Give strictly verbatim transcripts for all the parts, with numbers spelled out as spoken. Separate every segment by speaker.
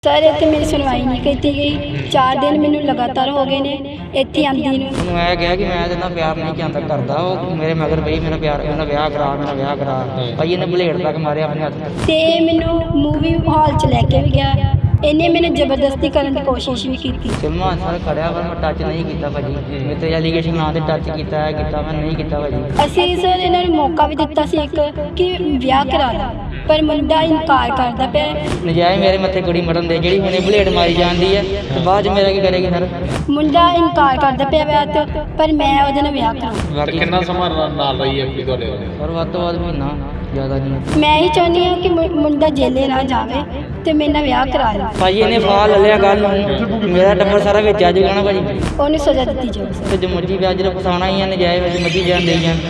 Speaker 1: Sir इतने मेरी सुनवाई नहीं की गई। चार दिन मैनू लगातार हो गए ने इत्थे आंदी नूं।
Speaker 2: ਉਹਨੂੰ ਇਹ ਕਿਹਾ ਕਿ ਮੈਂ ਇਹਦੇ ਨਾਲ ਪਿਆਰ ਨਹੀਂ ਜਾਂਦਾ ਕਰਦਾ। ਉਹ ਮੇਰੇ ਮਗਰ ਪਈ ਮੇਰਾ ਪਿਆਰ ਮੇਰਾ ਵਿਆਹ ਕਰਾ ਮੇਰਾ ਵਿਆਹ ਕਰਾ ਭਾਈ ਇਹਨੇ ਬਲੇਡ ਤੱਕ ਮਾਰਿਆ ਆਪਣੇ ਹੱਥ ਤੇ।
Speaker 1: ਤੇ ਮੈਨੂੰ ਮੂਵੀ ਹਾਲ ਚ ਲੈ ਕੇ ਵੀ ਗਿਆ। ਇਹਨੇ ਮੈਨੂੰ ਜ਼ਬਰਦਸਤੀ ਕਰਨ ਦੀ ਕੋਸ਼ਿਸ਼ ਵੀ ਕੀਤੀ।
Speaker 2: ਸਿਲਮਾ ਸਰ ਖੜਿਆ ਪਰ ਮੈਂ ਟੱਚ ਨਹੀਂ ਕੀਤਾ ਭਾਜੀ। ਮੇਰੇ ਤੇ ਐਲੀਗੇਸ਼ਨ ਨਾਂ ਤੇ ਟੱਚ ਕੀਤਾ ਹੈ ਕੀਤਾ ਮੈਂ ਨਹੀਂ ਕੀਤਾ ਭਾਜੀ।
Speaker 1: ਅਸੀਂ ਸਰ ਇਹਨਾਂ ਨੂੰ ਮੌਕਾ ਵੀ ਦਿੱਤਾ ਸੀ ਇੱਕ ਕਿ ਵਿਆਹ ਕਰਾ ਲਾ, ਪਰ ਮੁੰਡਾ ਇਨਕਾਰ ਕਰਦਾ ਪਿਆ।
Speaker 2: ਨਜਾਇਜ਼ ਮੇਰੇ ਮੱਥੇ ਕੁੜੀ ਮਰਨ ਦੇ ਜਿਹੜੀ ਹੁਣੇ ਬਲੇਡ ਮਾਰੀ ਜਾਂਦੀ ਹੈ ਤੇ ਬਾਅਦ ਚ ਮੇਰਾ ਕੀ ਕਰੇਗੀ ਸਰ।
Speaker 1: ਮੁੰਡਾ ਇਨਕਾਰ ਕਰਦਾ ਪਿਆ ਵਿਆਹ ਤੋਂ, ਪਰ ਮੈਂ ਉਹਦੇ ਨਾਲ ਵਿਆਹ ਕਰਾਂ।
Speaker 3: ਤੇ ਕਿੰਨਾ ਸਮਾਂ ਨਾਲ ਰਹੀ ਹੈ ਕੁੜੀ ਤੁਹਾਡੇ ਨਾਲ?
Speaker 2: ਸਰ ਵੱਧ ਤੋਂ ਵੱਧ ਮਹੀਨਾ, ਜ਼ਿਆਦਾ ਨਹੀਂ।
Speaker 1: ਮੈਂ ਹੀ ਚਾਹੁੰਦੀ ਹਾਂ ਕਿ ਮੁ- ਮੁੰਡਾ ਜੇਲੇ ਨਾ ਜਾਵੇ ਤੇ ਮੇਰੇ ਨਾਲ ਵਿਆਹ ਕਰਾ ਲੇ।
Speaker 2: ਭਾਜੀ ਇਹਨੇ ਫਾਹ ਲੈ ਲਿਆ ਗੱਲ ਨੂੰ, ਮੇਰਾ ਟੱਬਰ ਸਾਰਾ ਵਿੱਚ ਆ ਜਾਊਗਾ ਨਾ ਭਾਜੀ।
Speaker 1: ਉਹਨੂੰ ਸਜ਼ਾ ਦਿੱਤੀ ਜਾਵੇ ਸਰ।
Speaker 2: ਤੇ ਜੋ ਮਰਜੀ ਵਿਆਜ ਨੂੰ ਫਸਾਉਣਾ ਹੀ ਹੈ ਨਜਾਇਜ਼ ਵਿੱਚ ਮਰਜੀ ਜਾਣ ਦੇਈ ਜਾਣ।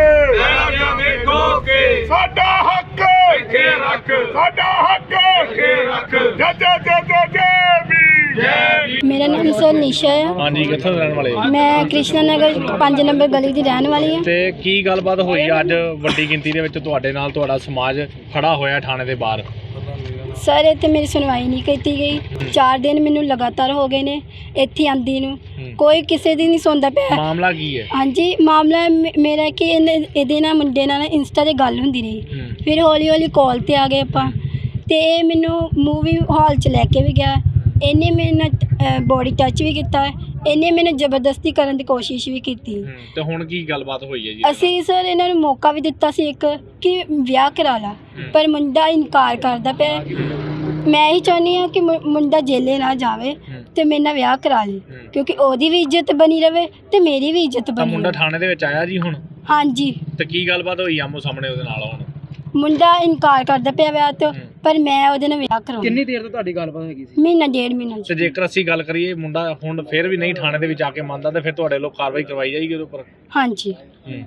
Speaker 4: ਸਾਡਾ ਹੱਕ ਇੱਥੇ ਰੱਖ, ਸਾਡਾ ਹੱਕ ਇੱਥੇ ਰੱਖ। ਜੈ ਜੈ ਜੈ ਜੈ ਜੈ ਵੀ ਜੈ ਵੀ।
Speaker 1: ਮੇਰਾ ਨਾਮ ਸਰ ਨਿਸ਼ਾ ਹੈ।
Speaker 3: ਹਾਂਜੀ, ਕਿੱਥੋਂ ਦੇ ਰਹਿਣ ਵਾਲੇ ਹੋ?
Speaker 1: ਮੈਂ ਕ੍ਰਿਸ਼ਨਾ ਨਗਰ ਪੰਜ ਨੰਬਰ ਗਲੀ ਦੀ ਰਹਿਣ ਵਾਲੀ ਹਾਂ।
Speaker 3: ਤੇ ਕੀ ਗੱਲਬਾਤ ਹੋਈ ਅੱਜ ਵੱਡੀ ਗਿਣਤੀ ਦੇ ਵਿੱਚ ਤੁਹਾਡੇ ਨਾਲ ਤੁਹਾਡਾ ਸਮਾਜ ਖੜਾ ਹੋਇਆ ਥਾਣੇ ਦੇ ਬਾਹਰ?
Speaker 1: ਸਰ ਇੱਥੇ ਮੇਰੀ ਸੁਣਵਾਈ ਨਹੀਂ ਕੀਤੀ ਗਈ। ਚਾਰ ਦਿਨ ਮੈਨੂੰ ਲਗਾਤਾਰ ਹੋ ਗਏ ਨੇ ਇੱਥੇ ਆਂਦੀ ਨੂੰ। ਕੋਈ ਕਿਸੇ ਦੀ ਨਹੀਂ ਸੁਣਦਾ ਪਿਆ।
Speaker 3: ਮਾਮਲਾ ਕੀ ਹੈ?
Speaker 1: ਹਾਂਜੀ, ਮਾਮਲਾ ਮੇ- ਮੇਰਾ ਕਿ ਇਹਨੇ ਇਹਦੇ ਨਾਲ ਮੁੰਡੇ ਨਾਲ ਇੰਸਟਾ 'ਤੇ ਗੱਲ ਹੁੰਦੀ ਰਹੀ। ਫਿਰ ਹੌਲੀ ਹੌਲੀ ਕਾਲ 'ਤੇ ਆ ਗਏ ਆਪਾਂ, ਅਤੇ ਇਹ ਮੈਨੂੰ ਮੂਵੀ ਹਾਲ 'ਚ ਲੈ ਕੇ ਵੀ ਗਿਆ। ਇਹਨੇ ਮੇਰੇ ਨਾਲ ਬੋਡੀ ਟੱਚ ਵੀ ਕੀਤਾ। ਇਹਨੇ ਮੈਨੂੰ ਜ਼ਬਰਦਸਤੀ ਕਰਨ ਦੀ ਕੋਸ਼ਿਸ਼ ਵੀ ਕੀਤੀ।
Speaker 3: ਤੇ ਹੁਣ ਕੀ ਗੱਲਬਾਤ ਹੋਈ ਹੈ ਜੀ?
Speaker 1: ਅਸੀਂ ਸਰ ਇਹਨਾਂ ਨੂੰ ਮੌਕਾ ਵੀ ਦਿੱਤਾ ਸੀ ਇੱਕ ਕਿ ਵਿਆਹ ਕਰਾ ਲਾ, ਪਰ ਮੁੰਡਾ ਇਨਕਾਰ ਕਰਦਾ ਪਿਆ। ਮੈਂ ਹੀ ਚਾਹੁੰਦੀ ਹਾਂ ਕਿ ਮੁ- ਮੁੰਡਾ ਜੇਲੇ ਨਾ ਜਾਵੇ ਤੇ ਮੇਰੇ ਨਾਲ ਵਿਆਹ ਕਰਾ ਲੇ, ਕਿਉਂਕਿ ਉਹਦੀ ਵੀ ਇੱਜ਼ਤ ਬਣੀ ਰਵੇ ਤੇ ਮੇਰੀ ਵੀ ਇੱਜ਼ਤ
Speaker 3: ਤਾਂ
Speaker 1: ਬਣੀ
Speaker 3: ਮੁੰਡਾ
Speaker 1: ਰਵੇ।
Speaker 3: ਥਾਣੇ ਦੇ ਵਿੱਚ ਆਇਆ ਜੀ ਹੁਣ?
Speaker 1: ਹਾਂਜੀ,
Speaker 3: ਤੇ ਕੀ ਗੱਲਬਾਤ ਹੋਈ ਆਮੋ ਸਾਹਮਣੇ ਉਹਦੇ ਨਾਲ? ਹੁਣ
Speaker 1: ਮੁੰਡਾ ਇਨਕਾਰ ਕਰਦਾ ਪਿਆ ਵਿਆਹ ਤੋਂ, ਪਰ ਮੈਂ ਉਹਦੇ ਨਾਲ ਵਿਆਹ ਕਰਾਉਣਾ।
Speaker 2: ਕਿੰਨੀ ਦੇਰ ਤੋਂ ਤੁਹਾਡੀ ਗੱਲਬਾਤ ਹੈਗੀ ਸੀ?
Speaker 1: ਮਹੀਨਾ ਡੇਢ ਮਹੀਨਾ
Speaker 3: ਤੇ
Speaker 1: ਜੀ।
Speaker 3: ਜੇਕਰ ਅਸੀਂ ਗੱਲ ਕਰੀਏ ਮੁੰਡਾ ਹੁਣ ਫਿਰ ਵੀ ਨਹੀਂ ਥਾਣੇ ਦੇ ਵਿੱਚ ਆ ਕੇ ਮੰਨਦਾ, ਤੇ ਫਿਰ ਤੁਹਾਡੇ ਲੋਕ ਕਾਰਵਾਈ ਕਰਵਾਈ ਜਾਏਗੀ ਉਹਦੇ ਉੱਪਰ?
Speaker 1: ਹਾਂਜੀ,
Speaker 3: ਹੂੰ।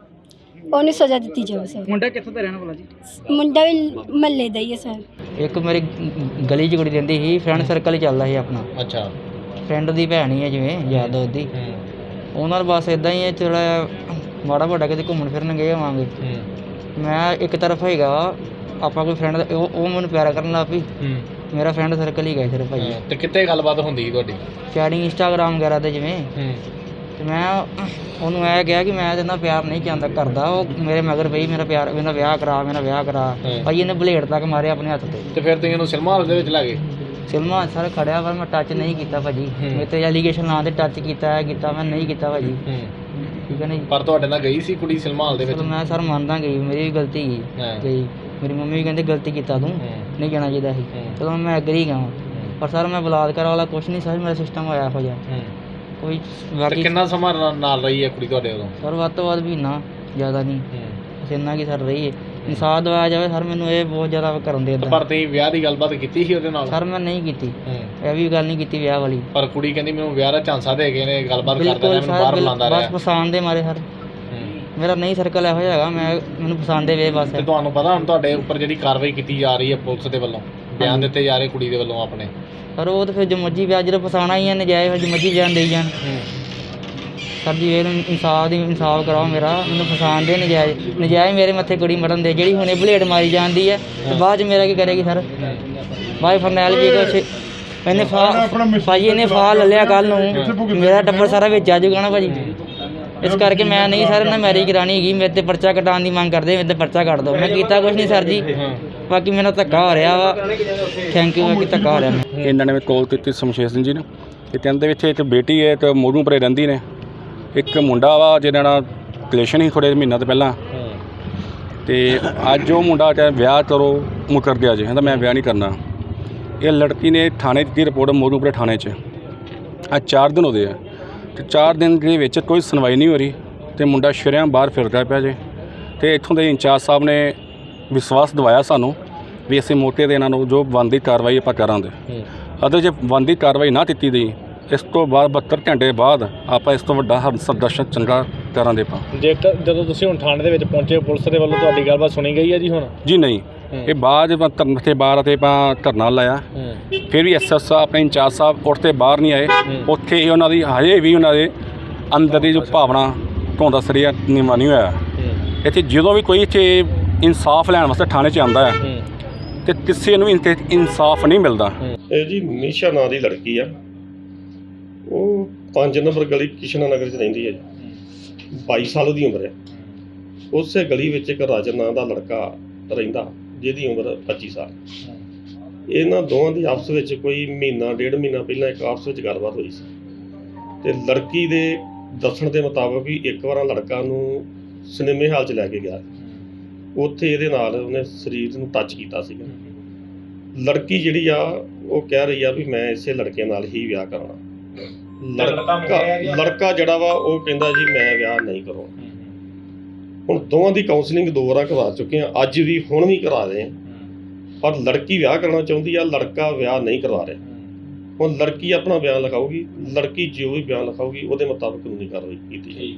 Speaker 1: ਉਹਨੂੰ ਸਜ਼ਾ ਦਿੱਤੀ ਜਾਵੇ ਸਰ।
Speaker 2: ਮੁੰਡਾ ਕਿੱਥੋਂ ਦਾ ਰਹਿਣ ਵਾਲਾ ਜੀ?
Speaker 1: ਮੁੰਡਾ ਵੀ ਮਹੱਲੇ ਦਾ ਹੀ ਹੈ ਸਰ।
Speaker 2: ਇੱਕ ਮੇਰੀ ਗਲੀ 'ਚ ਕੁੜੀ ਰਹਿੰਦੀ ਸੀ, ਫਰੈਂਡ ਸਰਕਲ ਹੀ ਚੱਲਦਾ ਸੀ ਆਪਣਾ।
Speaker 3: ਅੱਛਾ।
Speaker 2: ਫਰੈਂਡ ਦੀ ਭੈਣ ਹੀ ਹੈ ਜਿਵੇਂ ਯਾਦ ਉਹਦੀ।
Speaker 3: ਹੂੰ
Speaker 2: ਉਹਨਾਂ ਨਾਲ ਬਸ ਇਦਾਂ ਹੀ ਹੈ, ਥੋੜ੍ਹਾ ਮਾੜਾ ਮੋਟਾ ਕਿਤੇ ਘੁੰਮਣ ਫਿਰਨ ਗਏ ਹੋਵਾਂਗੇ।
Speaker 3: ਹੂੰ
Speaker 2: ਮੈਂ ਇੱਕ ਤਰਫ ਹੈਗਾ ਆਪਾਂ ਕੋਈ ਫਰੈਂਡ ਉਹ ਉਹ ਮੈਨੂੰ ਪਿਆਰ ਕਰਨ ਲੱਗ ਪਈ।
Speaker 3: ਹੂੰ।
Speaker 2: ਮੇਰਾ ਫਰੈਂਡ ਸਰਕਲ ਹੀ ਗਿਆ ਸਿਰਫ ਭਾਈ।
Speaker 3: ਤੇ ਕਿੱਥੇ ਗੱਲਬਾਤ ਹੁੰਦੀ ਸੀ ਤੁਹਾਡੀ?
Speaker 2: ਚੈਟਿੰਗ ਇੰਸਟਾਗ੍ਰਾਮ ਵਗੈਰਾ 'ਤੇ ਜਿਵੇਂ।
Speaker 3: ਹੂੰ।
Speaker 2: ਤੇ ਮੈਂ ਉਹਨੂੰ ਇਹ ਕਿਹਾ ਕਿ ਮੈਂ ਇਹਦੇ ਨਾਲ ਪਿਆਰ ਨਹੀਂ ਜਾਂਦਾ ਕਰਦਾ। ਉਹ ਮੇਰੇ ਮਗਰ ਪਈ ਮੇਰਾ ਪਿਆਰ ਮੇਰਾ ਵਿਆਹ ਕਰਾ ਮੇਰਾ ਵਿਆਹ ਕਰਾ ਭਾਈ ਇਹਨੇ ਬਲੇਡ ਤੱਕ ਮਾਰਿਆ ਆਪਣੇ ਹੱਥ ਤੇ।
Speaker 3: ਤੇ ਫਿਰ ਤੁਸੀਂ ਇਹਨੂੰ ਸਿਨੇਮਾ ਹਾਲ ਦੇ ਵਿੱਚ ਲੈ ਗਏ?
Speaker 2: ਸਿਲਮਾ ਸਰ ਖੜਿਆ ਪਰ ਮੈਂ ਟੱਚ ਨਹੀਂ ਕੀਤਾ ਭਾਜੀ। ਮੇਰੇ ਤੇ ਐਲੀਗੇਸ਼ਨ ਨਾਂ ਤੇ ਟੱਚ ਕੀਤਾ ਹੈ ਕੀਤਾ ਮੈਂ ਨਹੀਂ ਕੀਤਾ ਭਾਜੀ।
Speaker 3: ਹੂੰ।
Speaker 2: ਠੀਕ ਹੈ ਨਾ ਜੀ।
Speaker 3: ਪਰ ਤੁਹਾਡੇ ਨਾਲ ਗਈ ਸੀ ਕੁੜੀ ਸਿਨੇਮਾ ਹਾਲ ਦੇ ਵਿੱਚ?
Speaker 2: ਚਲੋ ਮੈਂ ਸਰ ਮੰਨਦਾ ਗਈ, ਮੇਰੀ ਵੀ ਗਲਤੀ ਗਈ
Speaker 3: ਹਾਂ।
Speaker 2: ਗਈ। ਮੇਰੀ ਮੰਮੀ ਵੀ ਕਹਿੰਦੇ ਗਲਤੀ ਕੀਤਾ ਤੂੰ, ਨਹੀਂ ਜਾਣਾ ਚਾਹੀਦਾ ਸੀ। ਚਲੋ ਮੈਂ ਐਗਰੀ ਗਿਆ, ਪਰ ਸਰ ਮੈਂ ਬਲਾਤਕਾਰ ਵਾਲਾ ਕੁਛ ਨਹੀਂ ਸਰ ਮੇਰਾ ਸਿਸਟਮ ਹੋਇਆ ਇਹੋ ਜਿਹਾ ਕੋਈ।
Speaker 3: ਤੇ
Speaker 2: ਬਾਕੀ
Speaker 3: ਕਿੰਨਾ ਸਮਾਂ ਨਾਲ- ਨਾਲ ਰਹੀ ਹੈ ਕੁੜੀ ਤੁਹਾਡੇ ਉਦੋਂ?
Speaker 2: ਸਰ ਵੱਧ ਤੋਂ ਵੱਧ ਮਹੀਨਾ, ਜ਼ਿਆਦਾ ਨਹੀਂ। ਬਸ ਇੰਨਾ ਕੀ ਸਰ ਰਹੀ ਹੈ। ਇਨਸਾਫ ਦਵਾਇਆ ਜਾਵੇ ਸਰ, ਮੈਨੂੰ ਇਹ ਬਹੁਤ ਜ਼ਿਆਦਾ ਕਰਨ ਦੇ
Speaker 3: ਪਰ ਤੁਸੀਂ ਵਿਆਹ ਦੀ ਗੱਲਬਾਤ ਕੀਤੀ ਸੀ ਉਹਦੇ ਨਾਲ?
Speaker 2: ਸਰ ਮੈਂ ਨਹੀਂ ਕੀਤੀ,
Speaker 3: ਹੂੰ।
Speaker 2: ਇਹ ਵੀ ਗੱਲ ਨਹੀਂ ਕੀਤੀ ਵਿਆਹ ਵਾਲੀ।
Speaker 3: ਪਰ ਕੁੜੀ ਕਹਿੰਦੀ ਮੈਨੂੰ ਵਿਆਹ ਦਾ ਝਾਂਸਾ ਦੇ ਗਏ ਨੇ, ਗੱਲਬਾਤ ਕਰਦਾ
Speaker 2: ਬਿਲਕੁਲ
Speaker 3: ਰਿਹਾ, ਮੈਨੂੰ ਬਾਹਰ
Speaker 2: ਸਰ,
Speaker 3: ਬੁਲਾਉਂਦਾ
Speaker 2: ਬਸ
Speaker 3: ਰਿਹਾ।
Speaker 2: ਪਸੰਦ ਦੇ ਮਾਰੇ ਸਰ। ਮੇਰਾ ਨਹੀਂ ਸਰਕਲ ਇਹੋ ਜਿਹਾ ਹੈਗਾ, ਮੈਂ ਮੈਨੂੰ ਪਸੰਦ ਦੇ ਵੇ ਬਸ।
Speaker 3: ਤੇ ਤੁਹਾਨੂੰ ਪਤਾ ਹੁਣ ਤੁਹਾਡੇ ਉੱਪਰ ਜਿਹੜੀ ਕਾਰਵਾਈ ਕੀਤੀ ਜਾ ਰਹੀ ਹੈ ਪੁਲਿਸ ਦੇ ਵੱਲੋਂ, ਬਿਆਨ ਦਿੱਤੇ ਜਾ ਰਹੇ ਕੁੜੀ ਦੇ ਵੱਲੋਂ ਆਪਣੇ?
Speaker 2: ਸਰ ਉਹ ਤਾਂ ਫਿਰ ਜੋ ਮਰਜੀ ਵਿਆਹ ਜਦੋਂ ਫਸਾਉਣਾ ਹੀ ਹੈ ਨਜਾਇਜ਼, ਫਿਰ ਜੋ ਮਰਜੀ ਬਿਆਨ ਦੇਈ ਜਾਣ। ਸਰ ਜੀ ਇਹ ਇਨਸਾਫ ਦੀ ਇਨਸਾਫ ਕਰਾਓ ਮੇਰਾ, ਮੈਨੂੰ ਫਸਾਉਣ ਦੇ ਨਜਾਇਜ਼ ਨਜਾਇਜ਼ ਮੇਰੇ ਮੱਥੇ ਕੁੜੀ ਮਰਨ ਦੇ ਜਿਹੜੀ ਹੁਣੇ ਬਲੇਡ ਮਾਰੀ ਜਾਂਦੀ ਹੈ ਤੇ ਬਾਅਦ 'ਚ ਮੇਰਾ ਕੀ ਕਰੇਗੀ ਸਰ। ਬਾਈ ਫਰਨੈਲ ਵੀ ਕੁਛ ਇਹਨੇ ਫਾਹ ਭਾਜੀ ਇਹਨੇ ਫਾਹ ਲੈ ਲਿਆ ਕੱਲ੍ਹ ਨੂੰ, ਮੇਰਾ ਟੱਬਰ ਸਾਰਾ ਵਿੱਚ ਆ ਜਾਊਗਾ ਨਾ ਭਾਜੀ। ਇਸ ਕਰਕੇ ਮੈਂ ਨਹੀਂ ਸਰ ਇਹਨਾਂ ਮੈਰਿਜ ਕਰਾਉਣੀ ਹੈਗੀ। ਮੇਰੇ 'ਤੇ ਪਰਚਾ ਕਟਾਉਣ ਦੀ ਮੰਗ ਕਰਦੇ, ਮੇਰੇ 'ਤੇ ਪਰਚਾ ਕੱਟ ਦਿਓ। ਮੈਂ ਕੀਤਾ ਕੁਛ ਨਹੀਂ ਸਰ ਜੀ, ਬਾਕੀ ਮੈਨੂੰ ਧੱਕਾ ਹੋ ਰਿਹਾ ਵਾ। ਥੈਂਕ ਯੂ ਬਾਕੀ ਧੱਕਾ ਹੋ ਰਿਹਾ ਮੈਂ।
Speaker 5: ਇਹਨਾਂ ਨੇ ਕਾਲ ਕੀਤੀ ਸ਼ਮਸ਼ੇਰ ਸਿੰਘ ਜੀ ਨੇ। ਇਹ ਕਹਿੰਦੇ ਵਿੱਚ ਇੱਕ ਬੇਟੀ ਹੈ ਤੇ ਮੋਰੂ ਪਰੇ ਰਹਿੰਦੀ ਨੇ, ਇੱਕ ਮੁੰਡਾ ਵਾ ਜਿਹਨਾਂ ਨਾਲ ਰਿਲੇਸ਼ਨ ਸੀ ਥੋੜ੍ਹੇ ਮਹੀਨਾ ਤੋਂ ਪਹਿਲਾਂ। ਤੇ ਅੱਜ ਉਹ ਮੁੰਡਾ ਚਾਹੇ ਵਿਆਹ ਕਰੋ ਮੁਕਰ ਗਿਆ ਜੀ, ਕਹਿੰਦਾ ਮੈਂ ਵਿਆਹ ਨਹੀਂ ਕਰਨਾ। ਇਹ ਲੜਕੀ ਨੇ ਥਾਣੇ ਦਿੱਤੀ ਰਿਪੋਰਟ ਮੋਰੂਪੁਰੇ ਥਾਣੇ 'ਚ। ਅੱਜ ਚਾਰ ਦਿਨ ਹੋਦੇ ਆ ਤੇ ਚਾਰ ਦਿਨ ਦੇ ਵਿੱਚ ਕੋਈ ਸੁਣਵਾਈ ਨਹੀਂ ਹੋ ਰਹੀ ਤੇ ਮੁੰਡਾ ਸ਼ਰੇਆਮ ਬਾਹਰ ਫਿਰਦਾ ਪਿਆ ਜੇ। ਤੇ ਇੱਥੋਂ ਦੇ ਇੰਚਾਰਜ ਸਾਹਿਬ ਨੇ ਵਿਸ਼ਵਾਸ ਦਿਵਾਇਆ ਸਾਨੂੰ ਵੀ ਅਸੀਂ ਮੌਕੇ 'ਤੇ ਇਹਨਾਂ ਨੂੰ ਜੋ ਬਣਦੀ ਕਾਰਵਾਈ ਆਪਾਂ ਕਰਾਂਗੇ। ਅਤੇ ਜੇ ਬਣਦੀ ਕਾਰਵਾਈ ਨਾ ਕੀਤੀ ਗਈ, ਇਸ ਤੋਂ ਬਾਅਦ ਬਹੱਤਰ ਘੰਟੇ ਬਾਅਦ ਆਪਾਂ ਇਸ ਤੋਂ ਵੱਡਾ ਪ੍ਰਦਰਸ਼ਨ ਚੰਗਾ ਕਰਾਂਗੇ ਆਪਾਂ।
Speaker 3: ਜੇਕਰ ਜਦੋਂ ਤੁਸੀਂ ਹੁਣ ਥਾਣੇ ਦੇ ਵਿੱਚ ਪਹੁੰਚੇ, ਪੁਲਿਸ ਦੇ ਵੱਲੋਂ ਤੁਹਾਡੀ ਗੱਲਬਾਤ ਸੁਣੀ ਗਈ ਹੈ ਜੀ ਹੁਣ?
Speaker 5: ਜੀ ਨਹੀਂ, ਇਹ ਬਾਅਦ ਧਰਨ ਤੇ ਬਾਹਰ ਅਤੇ ਆਪਾਂ ਧਰਨਾ ਲਾਇਆ। ਫਿਰ ਵੀ ਐਸ ਐਸ ਆਪਣੇ ਇੰਚਾਰਜ ਸਾਹਿਬ ਉੱਠ ਬਾਹਰ ਨਹੀਂ ਆਏ। ਉੱਥੇ ਹੀ ਉਹਨਾਂ ਦੀ ਹਜੇ ਵੀ ਉਹਨਾਂ ਦੇ ਅੰਦਰ ਦੀ ਜੋ ਭਾਵਨਾ ਧੋਂਦਾ ਸਰੀਆ ਨੀਵਾਂ ਨਹੀਂ ਹੋਇਆ। ਇੱਥੇ ਜਦੋਂ ਵੀ ਕੋਈ ਇੱਥੇ ਇਨਸਾਫ ਲੈਣ ਵਾਸਤੇ ਥਾਣੇ 'ਚ ਆਉਂਦਾ ਹੈ ਤੇ ਕਿਸੇ ਨੂੰ ਇਨਤੇ ਇਨਸਾਫ ਨਹੀਂ ਮਿਲਦਾ।
Speaker 6: ਇਹ ਜੀ ਨਿਸ਼ਾ ਨਾਂ ਦੀ ਲੜਕੀ ਆ, ਉਹ ਪੰਜ ਨੰਬਰ ਗਲੀ ਕਿਸ਼ਨਾ ਨਗਰ 'ਚ ਰਹਿੰਦੀ ਹੈ ਜੀ। ਬਾਈ ਸਾਲ ਦੀ ਉਮਰ ਹੈ। ਉਸੇ ਗਲੀ ਵਿੱਚ ਇੱਕ ਰਾਜਨ ਨਾਂ ਦਾ ਲੜਕਾ ਰਹਿੰਦਾ ਜਿਹਦੀ ਉਮਰ ਪੱਚੀ ਸਾਲ। ਇਹਨਾਂ ਦੋਵਾਂ ਦੀ ਆਪਸ ਵਿੱਚ ਕੋਈ ਮਹੀਨਾ ਡੇਢ ਮਹੀਨਾ ਪਹਿਲਾਂ ਇੱਕ ਆਪਸ ਵਿੱਚ ਗੱਲਬਾਤ ਹੋਈ ਸੀ ਤੇ ਲੜਕੀ ਦੇ ਦੱਸਣ ਦੇ ਮੁਤਾਬਕ ਵੀ ਇੱਕ ਵਾਰ ਲੜਕਾ ਨੂੰ ਸਿਨੇਮੇ ਹਾਲ 'ਚ ਲੈ ਕੇ ਗਿਆ, ਉੱਥੇ ਇਹਦੇ ਨਾਲ ਉਹਨੇ ਸਰੀਰ ਨੂੰ ਟੱਚ ਕੀਤਾ ਸੀਗਾ। ਲੜਕੀ ਜਿਹੜੀ ਆ ਉਹ ਕਹਿ ਰਹੀ ਆ ਵੀ ਮੈਂ ਇਸੇ ਲੜਕੇ ਨਾਲ ਹੀ ਵਿਆਹ ਕਰਨਾ। ਲੜਕਾ ਲੜਕਾ ਜਿਹੜਾ ਵਾ ਉਹ ਕਹਿੰਦਾ ਜੀ ਮੈਂ ਵਿਆਹ ਨਹੀਂ ਕਰਾਉਣਾ। ਹੁਣ ਦੋਵਾਂ ਦੀ ਕਾਉਂਸਲਿੰਗ ਦੋ ਵਾਰ ਕਰਵਾ ਚੁੱਕੇ ਆ, ਅੱਜ ਵੀ ਹੁਣ ਵੀ ਕਰਾ ਰਹੇ ਆ, ਪਰ ਲੜਕੀ ਵਿਆਹ ਕਰਨਾ ਚਾਹੁੰਦੀ ਆ, ਲੜਕਾ ਵਿਆਹ ਨਹੀਂ ਕਰਵਾ ਰਿਹਾ। ਹੁਣ ਲੜਕੀ ਆਪਣਾ ਬਿਆਨ ਲਿਖਾਊਗੀ, ਲੜਕੀ ਜੋ ਵੀ ਬਿਆਨ ਲਿਖਾਊਗੀ ਉਹਦੇ ਮੁਤਾਬਕ ਕਾਨੂੰਨੀ ਕਾਰਵਾਈ ਕੀਤੀ ਜਾਏਗੀ।